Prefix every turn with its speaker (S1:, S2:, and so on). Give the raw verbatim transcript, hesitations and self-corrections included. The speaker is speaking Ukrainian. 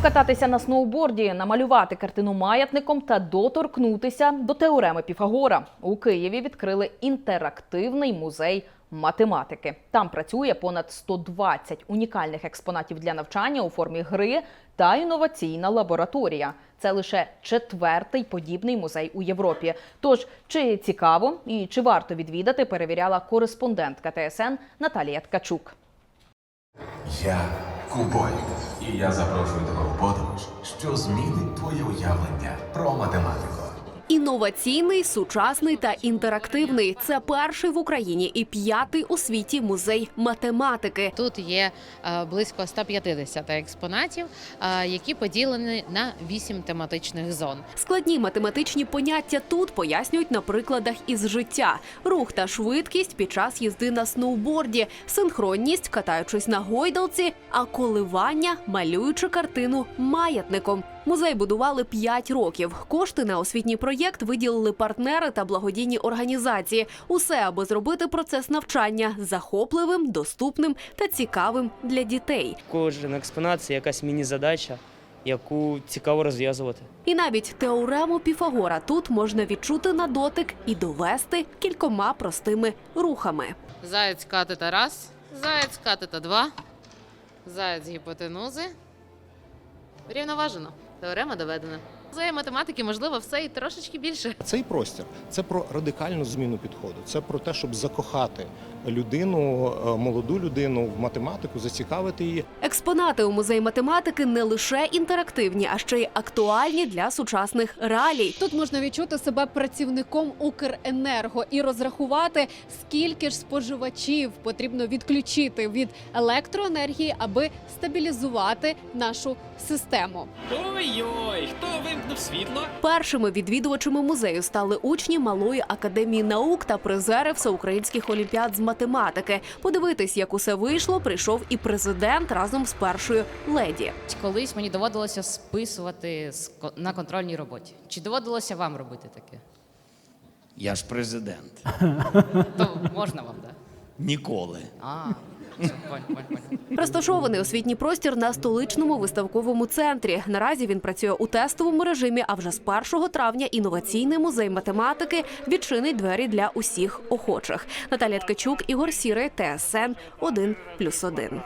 S1: Покататися на сноуборді, намалювати картину маятником та доторкнутися до теореми Піфагора. У Києві відкрили інтерактивний музей математики. Там працює понад сто двадцять унікальних експонатів для навчання у формі гри та інноваційна лабораторія. Це лише четвертий подібний музей у Європі. Тож, чи цікаво і чи варто відвідати, перевіряла кореспондентка Т С Н Наталія Ткачук.
S2: Я Кубой, і я запрошую тебе у подорож, що змінить твоє уявлення про математику.
S3: Інноваційний, сучасний та інтерактивний – це перший в Україні і п'ятий у світі музей математики.
S4: Тут є е, близько ста п'ятдесяти експонатів, е, які поділені на вісім тематичних зон.
S3: Складні математичні поняття тут пояснюють на прикладах із життя. Рух та швидкість під час їзди на сноуборді, синхронність, катаючись на гойдалці, а коливання, малюючи картину маятником. Музей будували п'ять років. Кошти на освітній проєкт виділили партнери та благодійні організації. Усе, аби зробити процес навчання захопливим, доступним та цікавим для дітей.
S5: Кожен експонат – це якась міні-задача, яку цікаво розв'язувати.
S3: І навіть теорему Піфагора тут можна відчути на дотик і довести кількома простими рухами.
S4: Заєць катета раз, заєць катета два, заєць гіпотенузи. Рівноважено. Теорема доведена. За математики можливо все і трошечки більше.
S6: Цей простір – це про радикальну зміну підходу. Це про те, щоб закохати людину, молоду людину в математику, зацікавити її.
S3: Експонати у музеї математики не лише інтерактивні, а ще й актуальні для сучасних реалій.
S7: Тут можна відчути себе працівником Укренерго і розрахувати, скільки ж споживачів потрібно відключити від електроенергії, аби стабілізувати нашу систему.
S8: Ой-ой, хто вимкнув світло?
S3: Першими відвідувачами музею стали учні Малої академії наук та призери всеукраїнських олімпіад з математики. Подивитись, як усе вийшло, прийшов і президент разом з першою леді.
S4: Колись мені доводилося списувати на контрольній роботі. Чи доводилося вам робити таке?
S8: Я ж президент.
S4: То можна вам, так?
S8: Ніколи.
S4: А, понь, понь, понь.
S3: Розташований освітній простір на столичному виставковому центрі. Наразі він працює у тестовому режимі, а вже з першого травня інноваційний музей математики відчинить двері для усіх охочих. Наталія Ткачук, Ігор Сірий, Т С Н один плюс один.